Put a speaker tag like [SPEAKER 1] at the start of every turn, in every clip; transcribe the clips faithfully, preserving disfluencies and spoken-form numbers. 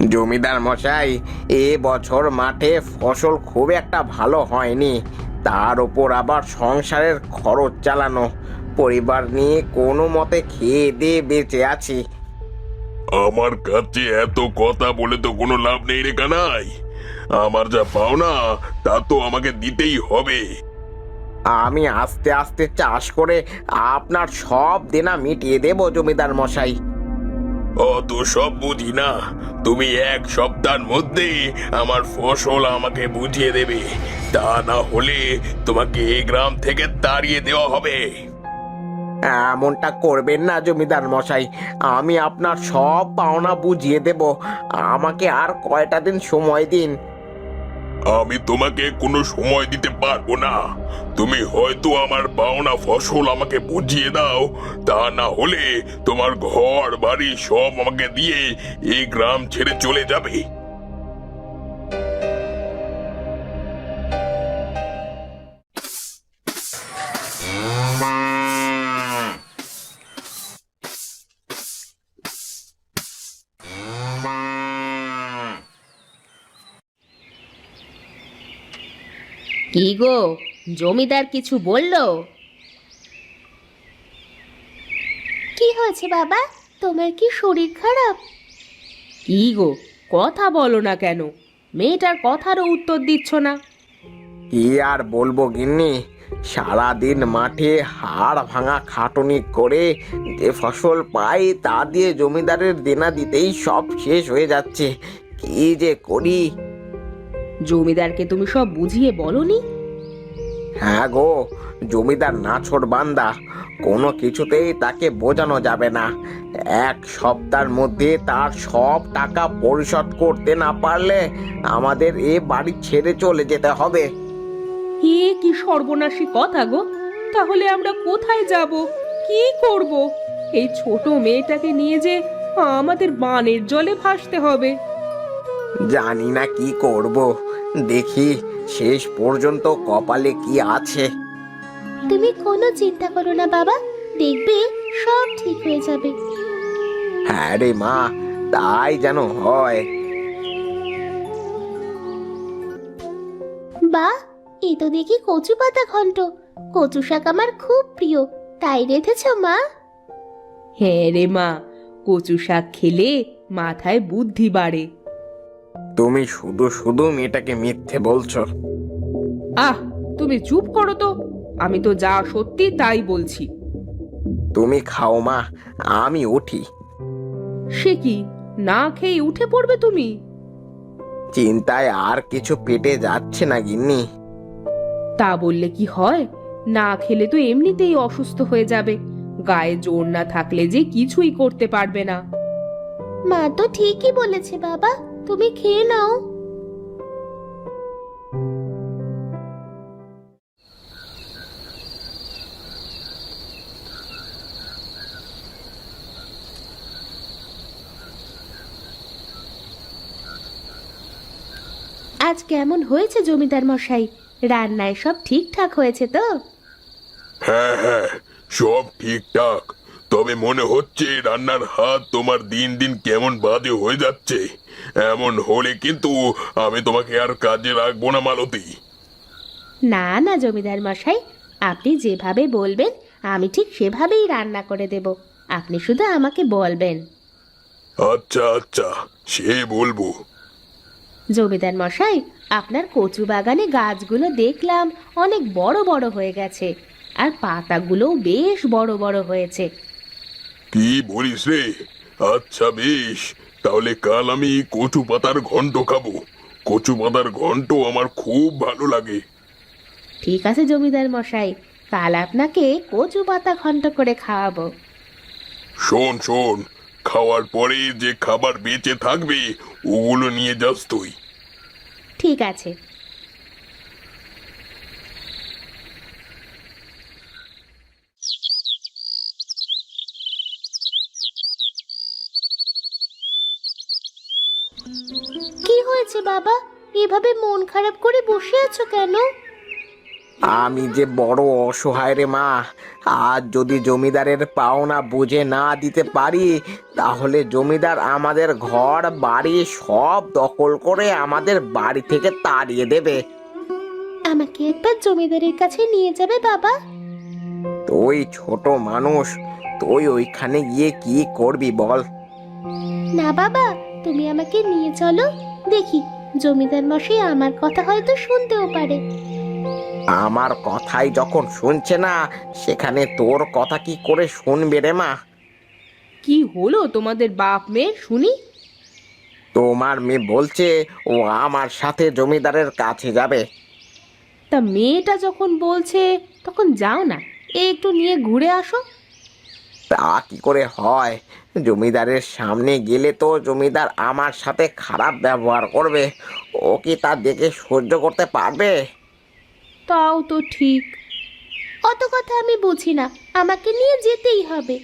[SPEAKER 1] জমিদার মশাই, এ বছর মাঠে ফসল খুব একটা ভালো হয়নি। তার উপর আবার সংসারের খরচ চালানো, পরিবার নিয়ে কোনো মতে খেয়ে দিয়ে বেঁচে আছি।
[SPEAKER 2] আমার কাছে এত কথা বলে তো কোনো লাভ নেই রে কানাই। আমার যা পাওনা তা তো আমাকে দিতেই হবে।
[SPEAKER 1] আমি আস্তে আস্তে চাষ করে আপনার সব দেনা মিটিয়ে দেব জমিদার মশাই।
[SPEAKER 2] অত সব বুঝি না, তুমি এক সপ্তাহের মধ্যে আমার ফসল আমাকে বুঝিয়ে দেবে, তা না হলে তোমাকে এই গ্রাম থেকে তাড়িয়ে দেওয়া হবে।
[SPEAKER 1] এমনটা করবেন না জমিদার মশাই, আমি আপনার সব পাওনা বুঝিয়ে দেব। আমাকে আর কয়টা দিন সময় দিন।
[SPEAKER 2] আমি তোমাকে কোনো সময় দিতে পারবো না। তুমি হয়তো আমার পাওনা ফসল আমাকে বুঝিয়ে দাও, তা না হলে তোমার ঘর বাড়ি সব আমাকে দিয়ে এই গ্রাম ছেড়ে চলে যাবে।
[SPEAKER 3] কি গো, জমিদার কিছু বললো?
[SPEAKER 4] কি হয়েছে বাবা? তোমার কি শরীর খারাপ?
[SPEAKER 3] কি গো, কথা বলো না কেন? মেয়েটার কথারও উত্তর দিচ্ছ না।
[SPEAKER 1] কি আর বলবো গিন্নি, সারাদিন মাঠে হাড় ভাঙা খাটুনি করে যে ফসল পাই তা দিয়ে জমিদারের দেনা দিতেই সব শেষ হয়ে যাচ্ছে। কি যে করি।
[SPEAKER 3] জমিদারকে তুমি সব বুঝিয়ে বলনি?
[SPEAKER 1] হ্যাঁ গো, জমিদার নাছোড় বান্দা, কোনো কিছুতেই তাকে বোঝানো যাবে না। এক সপ্তাহের মধ্যে তার সব টাকা পরিশোধ করতে না পারলে আমাদের এ বাড়ি ছেড়ে চলে যেতে হবে।
[SPEAKER 3] এ কি সর্বনাশী কথা গো! তাহলে আমরা কোথায় যাব, কি করব? এই ছোট মেয়েটাকে নিয়ে যে আমাদের বানের জলে ভাসতে হবে।
[SPEAKER 1] জানি না কি করব, দেখি শেষ পর্যন্ত কপালে কি আছে।
[SPEAKER 4] তুমি কোনো চিন্তা করো না বাবা, দেখবে সব ঠিক হয়ে যাবে।
[SPEAKER 1] হ্যাঁ রে মা, তাই যেন হয়।
[SPEAKER 4] বাহ, এ তো দেখি কচু পাতা ঘন্ট। কচু শাক আমার খুব প্রিয়, তাই রেঁধেছো মা?
[SPEAKER 3] হ্যাঁ রে মা, কচু শাক খেলে মাথায় বুদ্ধি বাড়ে।
[SPEAKER 1] তুমি শুধু শুধু মেয়েটাকে মিথ্যে বলছো।
[SPEAKER 3] আহ, তুমি চুপ করো তো। আমি তো যা সত্যি তাই বলছি।
[SPEAKER 1] তুমি খাও মা, আমি উঠি।
[SPEAKER 3] সে কি, না খেয়ে উঠে পড়বে তুমি?
[SPEAKER 1] চিন্তায় আর কিছু পেটে যাচ্ছে না গিন্নি।
[SPEAKER 3] তা বললে কি হয়? না খেলে তো এমনিতেই অসুস্থ হয়ে যাবে। গায়ে জোর না থাকলে যে কিছুই করতে পারবে না।
[SPEAKER 4] মা তো ঠিকই বলেছে বাবা, তুমি খেয়ে নাও। আজ কেমন হয়েছে জমিদার মশাই? রান্নায় সব ঠিকঠাক হয়েছে তো?
[SPEAKER 2] হ্যাঁ হ্যাঁ, সব ঠিকঠাক। তবে মনে হচ্ছে রান্নার হাত তোমার দিন দিন কেমন বাজে হয়ে যাচ্ছে। এমন হলে কিন্তু আমি তোমাকে আর কাজে রাখবো না মালতী।
[SPEAKER 4] না না জমিদার মশাই, আপনি যেভাবে বলবেন আমি ঠিক সেভাবেই রান্না করে দেব। আপনি শুধু আমাকে বলবেন।
[SPEAKER 2] আচ্ছা আচ্ছা, সে বলবো।
[SPEAKER 4] জমিদার মশাই, আপনার কচু বাগানে গাছগুলো দেখলাম অনেক বড় বড় হয়ে গেছে, আর পাতাগুলোও বেশ বড় বড় হয়েছে।
[SPEAKER 2] কি বলিস রে? আচ্ছা বেশ, তাহলে কাল আমি কচু পাতার ঘন্ট খাবো। কচু পাতার ঘন্ট আমার খুব ভালো লাগে।
[SPEAKER 4] ঠিক আছে জমিদার মশাই, কাল আপনাকে কচু পাতা ঘন্ট করে খাওয়াবো।
[SPEAKER 2] শোন শোন, খাওয়ার পরে যে খাবার বেঁচে থাকবে ওগুলো নিয়ে যাস তুই।
[SPEAKER 4] ঠিক আছে। কি হয়েছে বাবা, এভাবে মন খারাপ করে বসে আছো কেন?
[SPEAKER 1] আমি যে বড় অসহায় রে মা, আজ যদি জমিদারের পাওনা বুঝে না দিতে পারি, তাহলে জমিদার আমাদের ঘর বাড়ি সব দখল করে আমাদের বাড়ি থেকে তাড়িয়ে দেবে।
[SPEAKER 4] আমাকে একবার জমিদারের কাছে নিয়ে যাবে বাবা?
[SPEAKER 1] তুই ছোট মানুষ, তুই ওইখানে গিয়ে কি করবি বল?
[SPEAKER 4] না বাবা, তুমি আমাকে নিয়ে চলো, দেখি জমিদার মশাই আমার কথা হয়তো শুনতেও পারে।
[SPEAKER 1] আমার কথাই যখন শুনছে না, সেখানে তোর কথা কি করে শুনবে রে মা?
[SPEAKER 3] কি হলো তোমাদের বাপ মেয়ে শুনি?
[SPEAKER 1] তোমার মেয়ে বলছে ও আমার সাথে জমিদারের কাছে যাবে।
[SPEAKER 3] তা মেয়েটা যখন বলছে তখন যাও না, এ একটু নিয়ে ঘুরে আসো।
[SPEAKER 1] তা কি করে হয়? জমিদারের সামনে গেলে তো জমিদার আমার সাথে খারাপ ব্যবহার করবে। ও কি তা দেখে সহ্য করতে পারবে?
[SPEAKER 3] তাও তো ঠিক।
[SPEAKER 4] অত কথা আমি বুঝি না, আমাকে নিয়ে যেতেই হবে।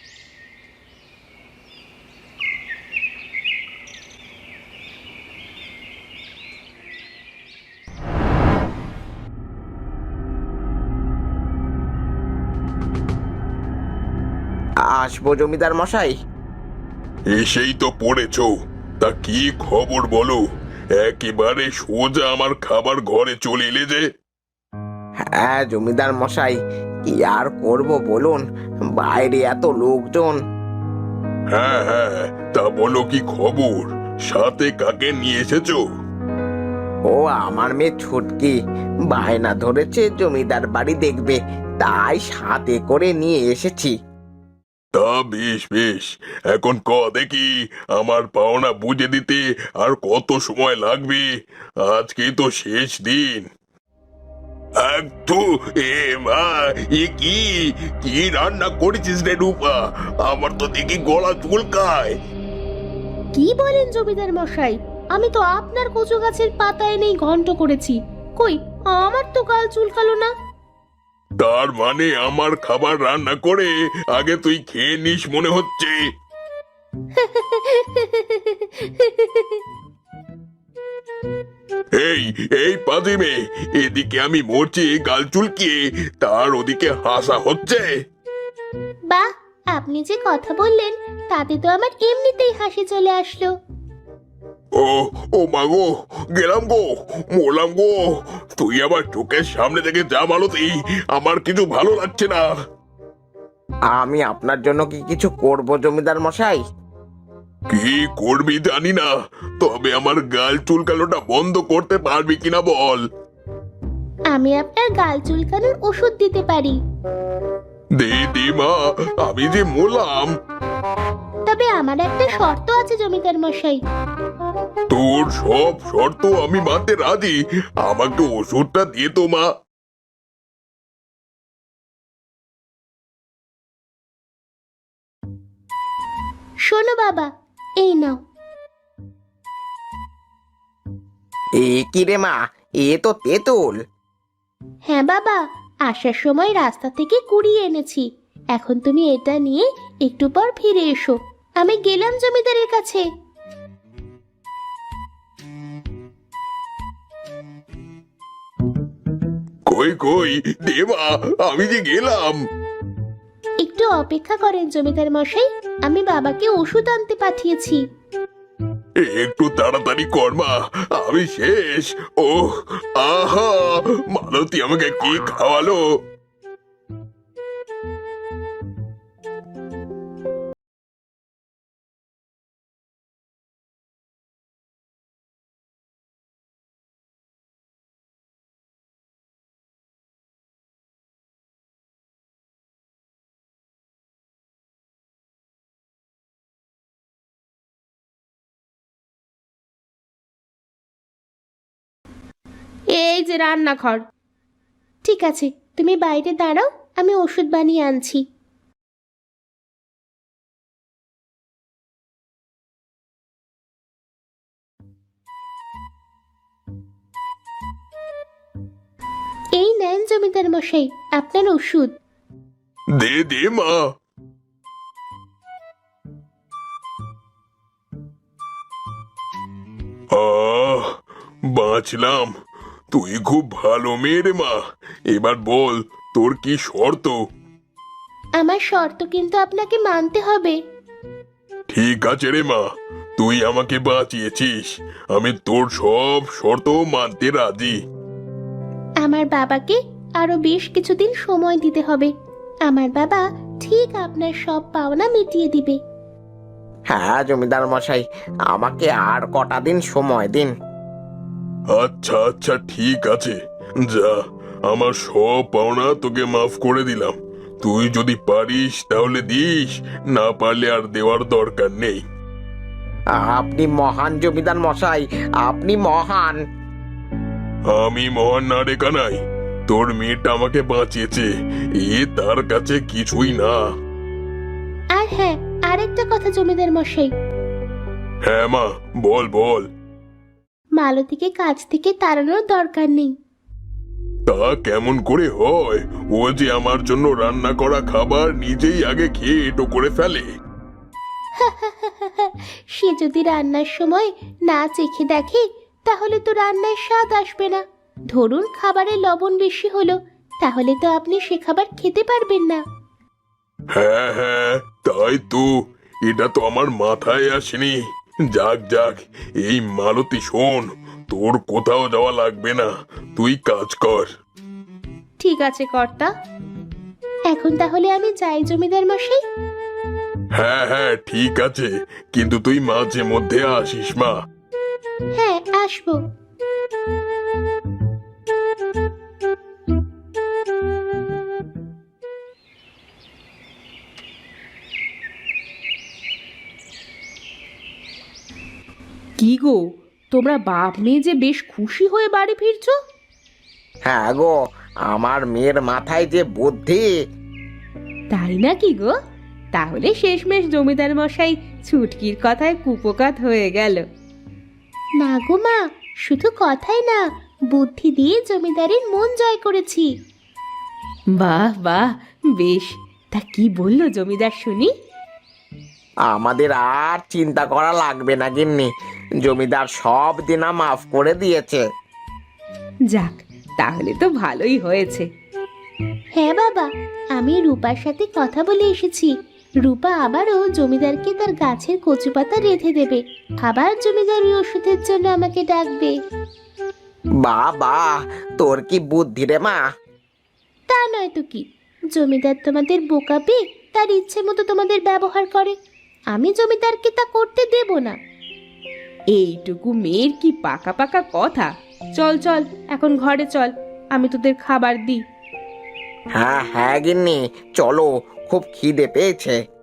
[SPEAKER 1] আসবো জমিদার মশাই।
[SPEAKER 2] এসেই তো পড়েছ। তা কি খবর বলো? একেবারে সোজা আমার খাবার ঘরে চলে এলে যে।
[SPEAKER 1] হ্যাঁ জমিদার মশাই, কি আর করব বলুন, বাইরে এত লোকজন।
[SPEAKER 2] হ্যাঁ হ্যাঁ, তা বলো কি খবর? সাথে কাকে নিয়ে এসেছো?
[SPEAKER 1] ও আমার মেয়ে ছুটকি বায়না ধরেছে জমিদার বাড়ি দেখবে, তাই সাথে করে নিয়ে এসেছি।
[SPEAKER 2] তা বেশ বেশ, এখন ক দেখি আমার পাওনা বুঝে দিতে আর কত সময় লাগবে? আজকেই তো শেষ দিন। একটু এ মা, এ কি কি রান্না করেছিস রে রূপা? আমার তো দেখি গলা চুলকায়।
[SPEAKER 4] কি বলেন জমিদার মশাই? আমি তো আপনার কচু গাছের পাতা এনেই ঘন্ট করেছি। কই, আমার তো গাল চুলকালো না।
[SPEAKER 2] তার মানে আমার খাবার রান্না করে আগে তুই খেয়ে নিস মনে হচ্ছে। এই এই পাজিমে, এদিকে আমি মরছি গাল চুলকিয়ে, তার ওদিকে হাসা হচ্ছে।
[SPEAKER 4] বাহ, আপনি যে কথা বললেন তাতে তো আমার এমনিতেই হাসি চলে আসলো।
[SPEAKER 2] ও ও মাগো, গেলাম গো, মরলাম গো। তুই আবার চোখের সামনে থেকে যা মালতি, আমার কিছু ভালো লাগছে না।
[SPEAKER 1] আমি আপনার জন্য কি কিছু করব জমিদার মশাই?
[SPEAKER 2] কি করবি জানি না, তবে আমার গাল চুলকানোটা বন্ধ করতে পারবি কিনা বল।
[SPEAKER 4] আমি আপনার গাল চুলকানোর ওষুধ দিতে পারি।
[SPEAKER 2] দে দে মা, আমি যে মরলাম।
[SPEAKER 4] তবে আমার একটা শর্ত আছে জমিদার মশাই।
[SPEAKER 2] তোর সব শর্ত আমি মানতে রাজি, আমাকে ওষুধটা দিয়ে তো মা।
[SPEAKER 4] শোনো বাবা, এই নাও।
[SPEAKER 1] এ কি রে মা, এ তো তেঁতুল।
[SPEAKER 4] হ্যাঁ বাবা, আসার সময় রাস্তা থেকে কুড়িয়ে এনেছি। এখন তুমি এটা নিয়ে একটু পর ফিরে এসো। আমি গেলাম জমিদারের কাছে।
[SPEAKER 2] কই কই দে মা, আমি যে গেলাম।
[SPEAKER 4] একটু অপেক্ষা করেন জমিদার মশাই, আমি বাবাকে ওষুধ আনতে পাঠিয়েছি।
[SPEAKER 2] একটু তাড়াতাড়ি কর মা, আমি শেষ। ও আহা, মালতী আমাকে কি খাওয়ালো।
[SPEAKER 3] এই যে রান্নাঘর।
[SPEAKER 4] ঠিক আছে, তুমি বাইরে দাঁড়াও, আমি ওষুধ বানিয়ে আনছি। এই নেন জমিদার মশাই আপনার ওষুধ।
[SPEAKER 2] দে দে মা। আহ, বাঁচলাম। তুই খুব ভালো মেয়ে রে মা। এবার বল তোর কি শর্ত?
[SPEAKER 4] আমার শর্ত কিন্তু আপনাকে মানতে হবে।
[SPEAKER 2] ঠিক আছে রে মা, তুই আমাকে বাঁচিয়েছিস, আমি তোর সব শর্ত মানতে রাজি।
[SPEAKER 4] আমার বাবাকে আরো বেশ কিছুদিন সময় দিতে হবে। আমার বাবা ঠিক আপনার সব পাওনা মিটিয়ে দিবে।
[SPEAKER 1] হ্যাঁ জমিদার মশাই, আমাকে আর কটা দিন সময় দিন।
[SPEAKER 2] আচ্ছা আচ্ছা ঠিক আছে, যা, আমার সব পাওনা তোকে মাফ করে দিলাম। তুই যদি পারিস তাহলে দিস, না পারলে আর দেওয়ার দরকার নেই।
[SPEAKER 1] আপনি মহান জমিদার মশাই, আপনি মহান।
[SPEAKER 2] আমি মহান না রে কানাই, তোর মেয়েটা আমাকে বাঁচিয়েছে, এ তার কাছে কিছুই না।
[SPEAKER 4] আর হ্যাঁ, আরেকটা কথা জমিদার মশাই,
[SPEAKER 2] হ্যাঁ মা, বল বল।
[SPEAKER 4] মালতীকে কাজ থেকে তাড়ানোর দরকার নেই।
[SPEAKER 2] তা কেমন করে হয়? ও যে আমার জন্য রান্না করা খাবার নিজেই আগে খেয়ে এটো করে ফেলে।
[SPEAKER 4] সে যদি রান্নার সময় না চেখে দেখে তাহলে তো রান্নার স্বাদ আসবে না। ধরুন খাবারে লবণ বেশি হলো, তাহলে তো আপনি সে খাবার খেতে পারবেন না।
[SPEAKER 2] হ্যাঁ হ্যাঁ, তাই তো, এটা তো আমার মাথায় আসেনি। যাক যাক, এই মালতী শোন, তোর কোথাও যাওয়া লাগবে না, তুই কাজ কর।
[SPEAKER 4] ঠিক আছে কর্তা, এখন তাহলে আমি যাই জমিদার মশাই।
[SPEAKER 2] হ্যাঁ হ্যাঁ ঠিক আছে, কিন্তু তুই মাঝে মধ্যে আসিস মা।
[SPEAKER 4] হ্যাঁ, আসবো।
[SPEAKER 3] কি গো, তোমরা বাপ মেয়ে যে বেশ খুশি হয়ে বাড়ি ফিরছো।
[SPEAKER 1] হ্যাঁ গো, আমার মেয়ের মাথায় যে বুদ্ধি।
[SPEAKER 3] তাই নাকি গো? তাহলে শেষমেশ জমিদার মশাই ছুটকির কথায় কুপোকাত হয়ে গেল।
[SPEAKER 4] না গো মা, শুধু কথাই না, বুদ্ধি দিয়ে জমিদারের মন জয় করেছি।
[SPEAKER 3] বাহ বাহ, বেশ। তা কি বললো জমিদার শুনি?
[SPEAKER 1] আমাদের আর চিন্তা করা লাগবে না গিন্নি, জমিদার সব দিনা মাফ করে দিয়েছে।
[SPEAKER 3] যাক, তাহলে তো ভালোই হয়েছে।
[SPEAKER 4] হ্যাঁ বাবা, আমি রূপার সাথে কথা বলে এসেছি। রূপা আবারও জমিদারকে তার গাছের কচু পাতা রেঁধে দেবে, আবার জমিদারি ওষুধের জন্য আমাকে ডাকবে।
[SPEAKER 1] বাবা, তোর কি বুদ্ধি রে মা।
[SPEAKER 4] তা নয় তো কি, জমিদার তোমাদের বোকা পেয়ে তার ইচ্ছে মতো তোমাদের ব্যবহার করে, আমি জমিদারকে তা করতে দেব না।
[SPEAKER 3] এইটুকু মেয়ের কি পাকা পাকা কথা। চল চল, এখন ঘরে চল, আমি তোদের খাবার দিই।
[SPEAKER 1] হ্যাঁ হ্যাঁ গিন্নি, চলো, খুব খিদে পেয়েছে।